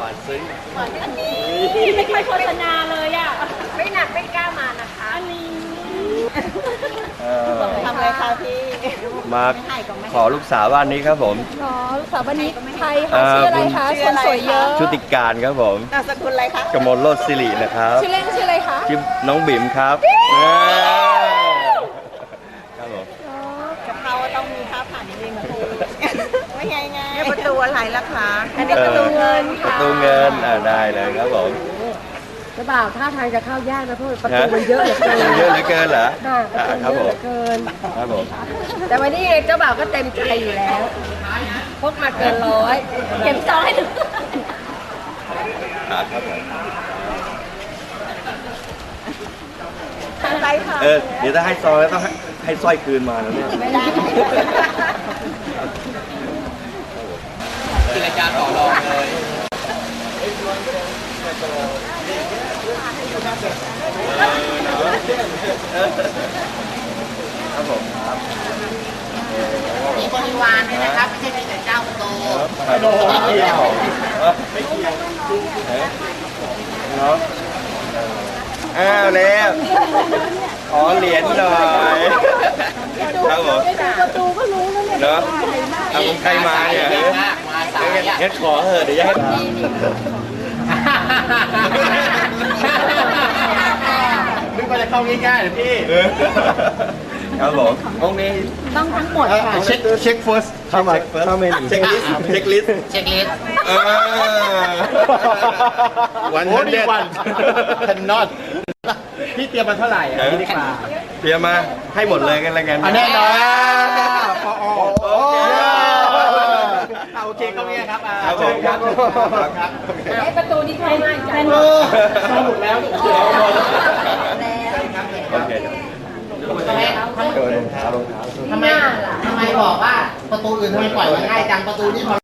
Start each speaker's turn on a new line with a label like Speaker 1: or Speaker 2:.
Speaker 1: านซึ้ง
Speaker 2: อันนี้ไม่ค่อยโฆษณาเลยอ่ะไม่หนักไม่กล้ามานะคะอันนี้ทำอะไรคะพี่
Speaker 1: มาขอลูกสาวบ้านนี้ครับผม
Speaker 3: อ๋อลูกสาวบ้านนี้ใครคะชื่ออะไรคะคนสวยเยอะ
Speaker 1: ชุติการครับผม
Speaker 2: นามสกุลอะไรคะ
Speaker 1: กมลโลดสิรินะครับ
Speaker 3: ชื่อเล่นชื่ออะไรคะ
Speaker 1: ชื่อน้องบิ่มครับครับผม
Speaker 2: กับเขาต้องมีค่าผ่านนิดนึงนะพี่ไม่ไงนี่ประตูอะไรล่ะคะอันนี้ประตูเงิน
Speaker 1: ประตูเงินได้เลยครับผม
Speaker 3: เจ้าบ่าวท่าทางจะเข้ายากนะเพราะประตูมันเยอะเหลือเกิน
Speaker 1: เยอะเหลือเกินเหรอ
Speaker 3: ประตูเยอะเหลือเกิน
Speaker 1: ครับผม
Speaker 3: แต่วันนี้เจ้าบ่าวก็เต็มใจอยู่แล้วพกมาเกิน100เก็บซองให้ดู
Speaker 1: ครับผม
Speaker 2: อะไรคะ
Speaker 1: เดี๋ยวถ้าให้ซองแล้วต้องให้สร้อยคืนมาแล้วเนี่ย
Speaker 2: ไม่ได้
Speaker 4: กิจการต่อรองเลย
Speaker 1: ครับผม
Speaker 4: มีบริวารด้วยนะครับไม่ใช่มีแต่เจ้าโต
Speaker 1: ไม่เกี่ยวเนาะแล้วขอเหรียญหน่อยครับผม
Speaker 3: ประตูก็รู้แล้วเนี่ย
Speaker 1: เนาะเอาใครมาเนี่ย
Speaker 4: มาสาย
Speaker 1: งั้นขอเถอะเดี๋ยวจะให้
Speaker 4: นึกว่าจะเข้าง่ายๆเลยพี่
Speaker 1: ครับผมองนี้
Speaker 3: ต้องทั้งหมดค่ะ
Speaker 1: เช็ค first เข้ามาเช็คลิสเช็คลิส
Speaker 4: วันนี้วันทันนอตพี่เตรียมมาเท่าไหร่อ่ะพี่ดีกว่า
Speaker 1: เตรียมมาให้หมดเลยกันแล้วกัน
Speaker 4: แน่นอนโอเคก็เนี่ยครับ
Speaker 1: ครับผมครับ
Speaker 3: ไอ้ประตูนี่เข้าง่ายจัง
Speaker 4: สนุกแล้ว
Speaker 1: โอเค
Speaker 4: ทำไมบอกว่าประตูอื่นทำไมปล่อยไว้ง่ายจังประตูนี้พอ